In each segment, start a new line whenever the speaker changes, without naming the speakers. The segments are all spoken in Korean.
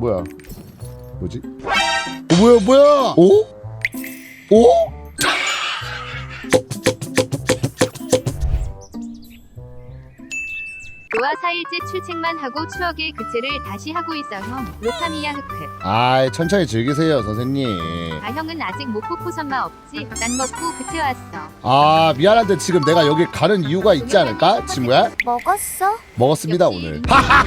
뭐야? 뭐지? 뭐야? 오? 오?
노아 4일째 출첵만 하고 추억의 그체를 다시 하고 있어 형. 로타미야 흑흑.
아, 천천히 즐기세요, 선생님.
아 형은 아직 못 뽑고 선마 없지? 난 먹고 그체 왔어.
아, 미안한데 지금 내가 여기 가는 이유가 있지 않을까, 친구야?
먹었어?
먹었습니다,
역시.
오늘.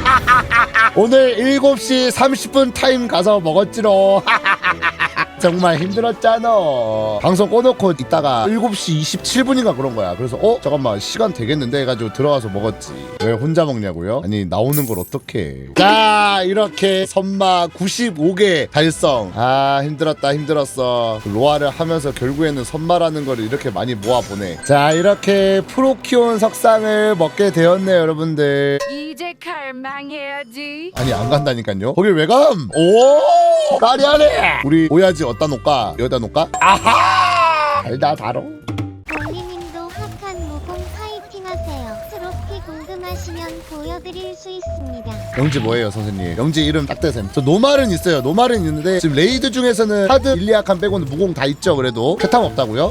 오늘 7시 30분 타임 가서 먹었지로. 정말 힘들었잖아. 방송 꺼놓고 있다가 7시 27분인가 그런 거야. 그래서 잠깐만 시간 되겠는데 해가지고 들어가서 먹었지. 왜 혼자 먹냐고요? 아니 나오는 걸 어떡해. 자, 이렇게 선마 95개 달성. 아, 힘들었어. 로아를 하면서 결국에는 선마라는 걸 이렇게 많이 모아보네. 자, 이렇게 프로키온 석상을 먹게 되었네요, 여러분들.
이제 갈망해야지.
아니 안 간다니까요. 거길 왜 감? 오, 까리하네. 우리 오야지 어디다 놓을까? 여기다 놓을까? 아하, 달다 달어.
볼리님도 핫한 무공 파이팅 하세요. 트로피 궁금하시면 보여드릴 수 있습니다.
영지 뭐예요, 선생님? 영지 이름 딱 대셈. 저 노말은 있어요. 노말은 있는데 지금 레이드 중에서는 하드 일리아칸 빼고는 무공 다 있죠. 그래도 쾌탐 없다고요?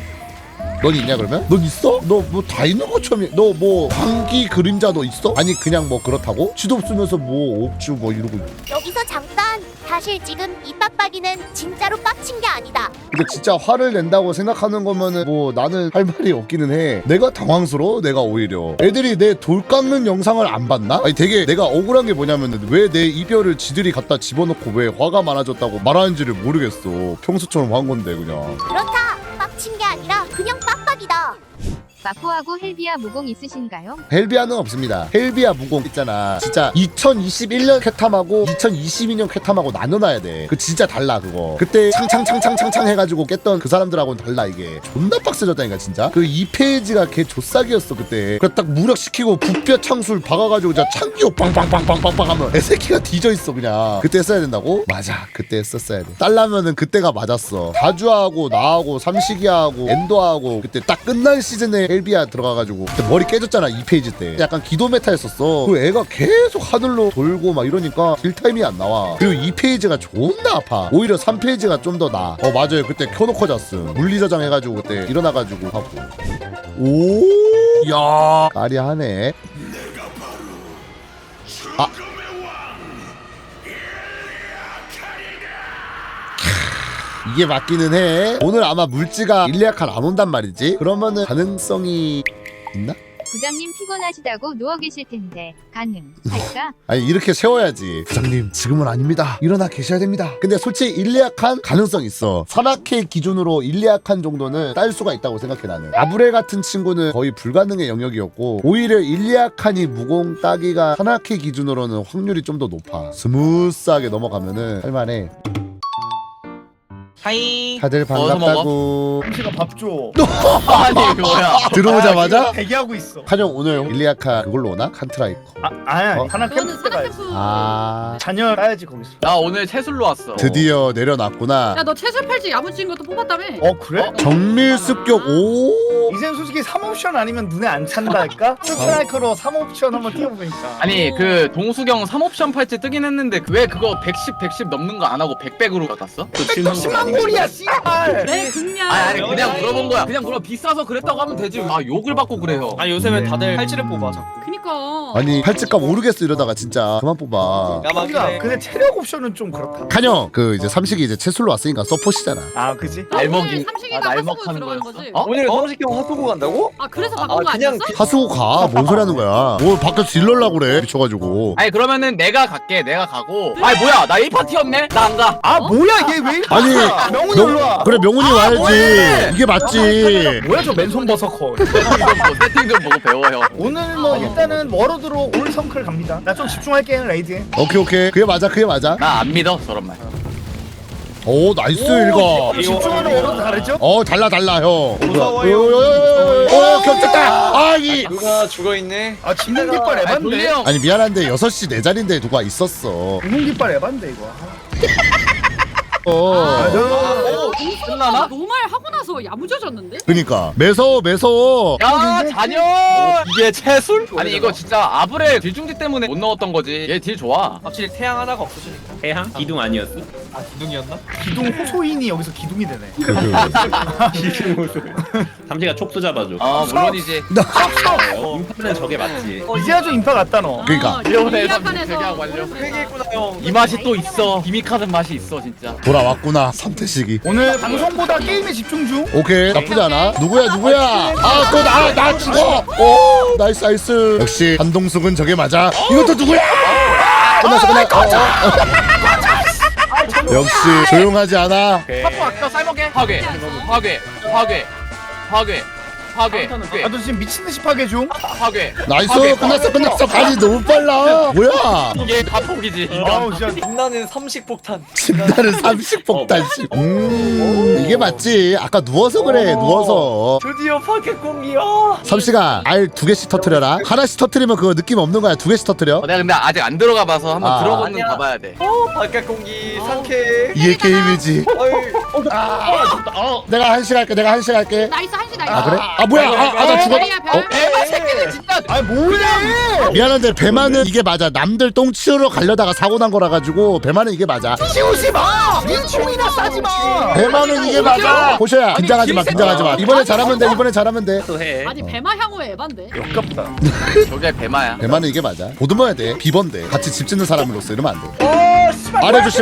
넌 있냐 그러면? 넌 있어? 너 뭐 다 있는 것처럼 너 뭐 광기 그림자 너 있어? 아니 그냥 뭐 그렇다고? 지도 없으면서 뭐 옥주 뭐 이러고.
여기서 잠깐! 사실 지금 이 빡빡이는 진짜로 빡친 게 아니다.
근데 진짜 화를 낸다고 생각하는 거면은 뭐 나는 할 말이 없기는 해. 내가 당황스러워. 내가 오히려 애들이 내 돌 깎는 영상을 안 봤나? 아니 되게 내가 억울한 게 뭐냐면은 왜 내 이별을 지들이 갖다 집어넣고 왜 화가 많아졌다고 말하는지를 모르겠어. 평소처럼 한 건데 그냥.
그렇다! 빡친 게 아니라 그냥 빡빡이다.
마포하고 헬비아 무공 있으신가요?
헬비아는 없습니다. 헬비아 무공 있잖아. 진짜 2021년 쾌탐하고 2022년 쾌탐하고 나눠놔야 돼. 그 진짜 달라 그거. 그때 창창 해가지고 깼던 그 사람들하고는 달라 이게. 존나 빡세졌다니까 진짜. 그 2페이지가 걔 조싹이었어 그때. 그래 딱 무력시키고 부뼈 창술 박아가지고 진짜 창기호 빵빵빵빵빵빵 하면 애새끼가 뒤져있어 그냥. 그때 써야 된다고? 맞아. 그때 썼어야 돼. 딸라면은 그때가 맞았어. 다주하고 나하고 삼식이하고 엔도하고 그때 딱 끝난 시즌에 헬비아 들어가가지고 그때 머리 깨졌잖아 2페이지 때. 약간 기도 메타였었어. 그 애가 계속 하늘로 돌고 막 이러니까 딜타임이 안 나와. 그리고 2페이지가 존나 아파. 오히려 3페이지가 좀 더 나아. 맞아요. 그때 켜놓고 잤음. 물리저장 해가지고 그때 일어나가지고 하고. 오, 야, 까리하네. 아, 이게 맞기는 해. 오늘 아마 물지가 일리아칸 안 온단 말이지. 그러면은 가능성이 있나?
부장님 피곤하시다고 누워 계실 텐데 가능할까?
아니 이렇게 세워야지. 부장님 지금은 아닙니다. 일어나 계셔야 됩니다. 근데 솔직히 일리아칸 가능성 있어. 산악회 기준으로 일리아칸 정도는 딸 수가 있다고 생각해 나는. 아브레 같은 친구는 거의 불가능의 영역이었고 오히려 일리아칸이 무공 따기가 산악회 기준으로는 확률이 좀 더 높아. 스무스하게 넘어가면은 할만해.
하이.
다들 반갑다고.
삼시가 밥 줘.
아니 뭐야?
들어오자마자
대기하고 있어.
한영 오늘 일리아칸 그걸로 오나? 칸트라이커.
아니
어?
하나
그거는
캠프 때 가야지.
산악회수.
아,
자녀 따야지 거기서.
나 오늘 채술로 왔어.
드디어 내려놨구나.
야 너 채술 팔찌 야무진 것도 뽑았다며?
그래?
정밀습격. 오,
이젠 솔직히 3옵션 아니면 눈에 안 찬다니까? 스트라이커로 3옵션 한번 띄워보니까.
아니 그 동수경 3옵션 팔찌 뜨긴 했는데 왜 그거 110 넘는 거 안 하고 100으로 받았어?
10만 골이야 씨발.
네 그냥.
아니 그냥 물어본 거야. 그냥 물어 비싸서 그랬다고 하면 되지. 아 욕을 받고 그래요.
아 요새 다들 팔찌를 뽑아 자꾸.
그니까.
아니 팔찌값 오르겠어 이러다가 진짜 그만 뽑아.
그러니까 근데 체력 옵션은 좀 그렇다.
칸형 그 이제 삼식이 이제 채술로 왔으니까 서폿이잖아.
아 그지?
날먹이.
삼식이가
아, 날먹
하수구에
하는
들어가는
거였어?
거지.
어?
오늘 삼식형 핫도그 간다고?
아 그래서 바꾼 거
그냥
아니었어?
하수구 가. 뭔 소리 하는 거야. 뭘 밖에서 딜러려고 그래 미쳐가지고.
아니 그러면은 내가 갈게. 내가 가고. 아니 뭐야 나 1파티였네? 나 안 가.
아 뭐야 얘 왜?
아니
명훈이 올라 와.
그래 명훈이 와야지.
뭐해?
이게 맞지.
뭐야 저 맨손 버서커.
세팅 좀 보고 배워 형.
오늘 뭐 일단은 워로드로 올 성클 갑니다. 나 좀 집중할게 레이드에.
오케이 그게 맞아 그게 맞아.
나 안 믿어 저런 말.
오 나이스 읽어.
집중하는 워로드 다르죠?
달라 형.
무서워요.
겹쳤다. 아이.
누가 죽어 있네.
아 진공 깃발
아니 돌리
에반데.
형.
아니 미안한데 6시 내 자리인데 누가 있었어.
진공 깃발 에반데 이거.
어.
아,
동수가 너무 말 하고 나서 와서 야무져졌는데?
그니까 매서워.
야 잔열.
이게 채술?
아니 이거 진짜 아브레 딜중지 때문에 못 넣었던 거지. 얘 딜 좋아.
확실히 태양 하나가 없어지니까.
해양? 기둥 아니었어?
아 기둥이었나?
기둥 호소인이 여기서 기둥이 되네.
기둥 모습. 삼지가 촉수 잡아줘.
아 물론이지.
인파는 저게 맞지.
이제 아주 인파 같다 너.
그러니까.
일본의
이
삼지
약간에서
대기하고 완료.
회개했구나 형.
이 맛이 또 있어. 기믹하는 맛이 있어 진짜.
돌아왔구나 삼태식이.
오늘 방송보다 게임에 집중 중.
오케이 나쁘지 않아. 누구야? 아 또 나 죽어. 오 나이스. 역시 한동숙은 저게 맞아. 이것도 누구야? 끝났어. 역시 조용하지 않아.
파포 아껴 쌀먹게. 파괴.
아너 지금 미친 듯이 파괴 중.
파괴.
나이스. 끝났어. 가지 너무 빨라. 뭐야?
이게 파폭이지.
아우 진짜.
빛나는 삼식폭탄.
진다는 삼식폭탄식. 이게 맞지. 아까 누워서 그래. 누워서.
드디어 파켓공이야.
삼시가 알 2개씩 터트려라. 하나씩 터트리면 그거 느낌 없는 거야. 2개씩 터트려.
내가 근데 아직 안 들어가 봐서 한번
아.
들어보는
아니야.
가봐야 돼.
파켓공기 상쾌.
이게 게임이지.
어이.
내가 한시 갈게.
나이스 한시 나이스.
아 그래? 아 뭐야? 나 죽었다. 어?
에바 새끼들 진짜.
아 뭐야?
미안한데 배만은 이게 맞아. 남들 똥 치우러 가려다가 사고 난 거라 가지고 배만은 이게 맞아.
치우지 마. 민총이나 싸지 마.
배만은 이게 맞아. 호셔야 긴장하지 마. 이번에 잘하면 돼.
또 해.
아니 배마 향후에 에반데.
역겹다.
저게 배마야.
배만은 이게 맞아. 보듬어야 돼. 비번데. 같이 집 짓는 사람으로서 이러면 안 돼.
씨발.
아래 조심.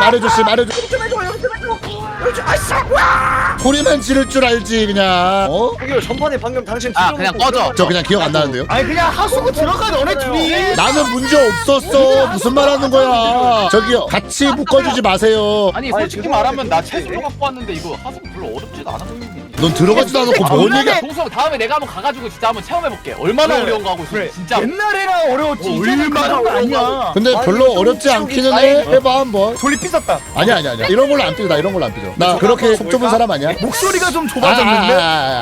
소리만 지를 줄 알지 그냥. 어?
저기요 전판에 방금 당신
아 그냥 꺼져.
저 그냥 기억 안 나는데요?
아니 그냥 하수구 들어가 너네 둘이.
나는 문제 없었어. 무슨 말 하는 거야? 저기요. 같이 묶어주지 마세요.
아니 솔직히 말하면 나 채소로 갖고 왔는데 이거 하수구 별로 어렵지도 않아 보이니.
넌 들어가지도 않고 뭔 얘기야?
동성 다음에 내가 한번 가가지고 진짜 한번 체험해볼게. 얼마나
그래.
어려운 거 하고 있어.
그래.
진짜.
옛날에나 어려웠지. 이제는
얼마나
그런 거 아니야.
근데
아니,
별로
이거
어렵지
좀
않기는
아니,
해. 해봐 한번.
돌리 삐졌다.
아니야. 이런 걸로 안 삐져. 나 이런 걸로 안 삐져. 나 그렇게 속 좁은 사람 아니야?
목소리가 좀 좁아졌는데.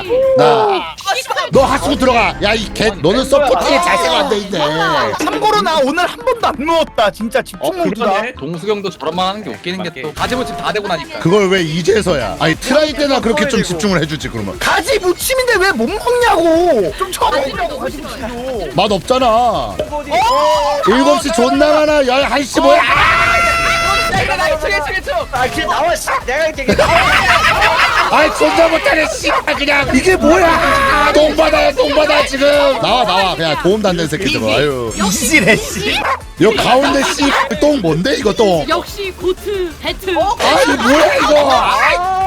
너 하수구 들어가. 야 이 개. 너는 서포팅에 자세가 안 돼 있네.
참고로 나 오늘 한 번도 안 누웠다. 진짜 집중 모드다.
그러네.
동수경도 저런만 하는 게 웃기는 게 또 가지무침 다 되고 나니까.
그걸 왜 이제서야? 아니 트라이 때나 그렇게 좀 집중을 해주지 그러면.
가지 무침인데 왜 못 먹냐고. 좀 쳐먹으라고 가지 무침도.
맛 없잖아. 7시 존나 많아. 11시 뭐야?
나 1층.
아길 나와 씨. 내가 이렇게 나와.
아이 존나 못하네 씨. 그냥 이게 뭐야? 똥 받아 지금. 나와 그냥 도움 닿는 새끼들. 아유.
이지래 씨.
여 가운데 씨똥 뭔데 이거 똥?
역시 고트 배트.
아니 뭐야 이거?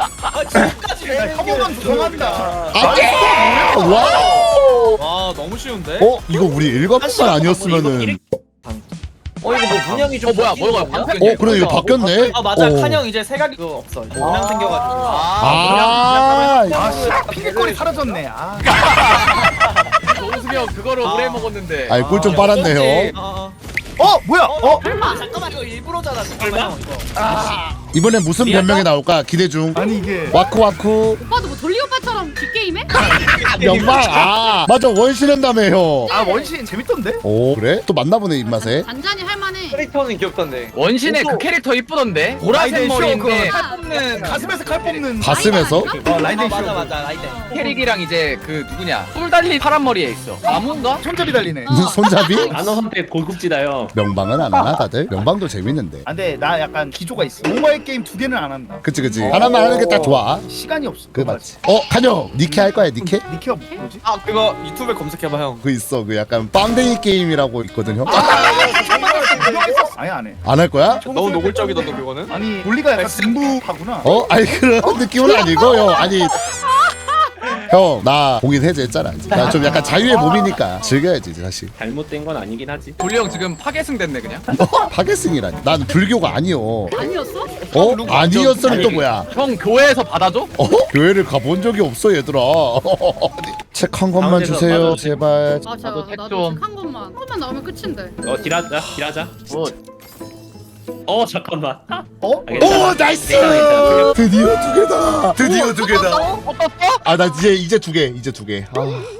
한 번만 조성한다.
안돼. 와우.
와 너무 쉬운데?
이거 우리 일곱만 아니었으면은.
이거 뭐 문양이 좀
뭐야
바뀌는
뭐야
거냐?
방금.
그래 이거 바뀌었네.
아 맞아
어.
칸형 이제 세각이 없어 문양 생겨가지고
아.
아씨 피디거리 사라졌네. 아.
동수경 그거를 오래 먹었는데.
아이 꿀 좀 빨았네요.
뭐야?
잠깐만 이거 일부러잖아 잠깐만 형 이거
이번엔 무슨 변명이 나올까 기대 중.
아니 이게
와쿠.
오빠도 뭐 돌리 오빠처럼 뒷게임해?
명방. 맞아 원신한다며 형.
원신 재밌던데?
오 그래? 또 만나보네 입맛에.
잔잔히 할만해.
캐릭터는 귀엽던데
원신의 그 캐릭터 이쁘던데. 보라색
라이덴 쇼,
머리인데
그거
칼 뽑는
가슴에서 칼 뽑는.
가슴에서?
라이덴 쇼.
맞아 라이덴
캐릭이랑 이제 그 누구냐 뿔 달린 파란 머리에 있어. 나무인가?
손잡이 달리네.
무슨 손잡이?
단어 선택 고급지다요.
명방은 안 하나 다들? 명방도 재밌는데.
아, 근데 나 약간 기조가 있어. 모바일 게임 2개는 안 한다.
그치 하나만 하는 게 딱 좋아.
시간이 없어.
그 맞지. 칸형 니케 할 거야 니케?
니케가 뭐지?
아 그거 유튜브에 검색해봐 형
그 있어 그 약간 빵댕이 게임이라고 있거든 형.
아예 안 해.
안 할 거야?
너무 노골적이던데 그거는?
아니 논리가 약간 승부하구나.
아니 그런 느낌은 아니고 형 아니. 형 나 공인 해제했잖아. 나 좀 약간 자유의 몸이니까 즐겨야지 이제 사실.
잘못된 건 아니긴 하지.
돌리 형 지금 파괴승 됐네 그냥.
파괴승이라니. 난 불교가 아니요.
아니었어?
아니었으면 또 뭐야?
형 교회에서 받아줘?
교회를 가본 적이 없어 얘들아. 책 한 권만
가운데서
주세요
맞아도
제발.
맞아.
나도 택
나도
좀.
한 것만 나오면 끝인데.
딜하자.
뭐
잠깐만.
오 나이스.
괜찮아.
드디어 두 개다. 나 이제 두 개. 아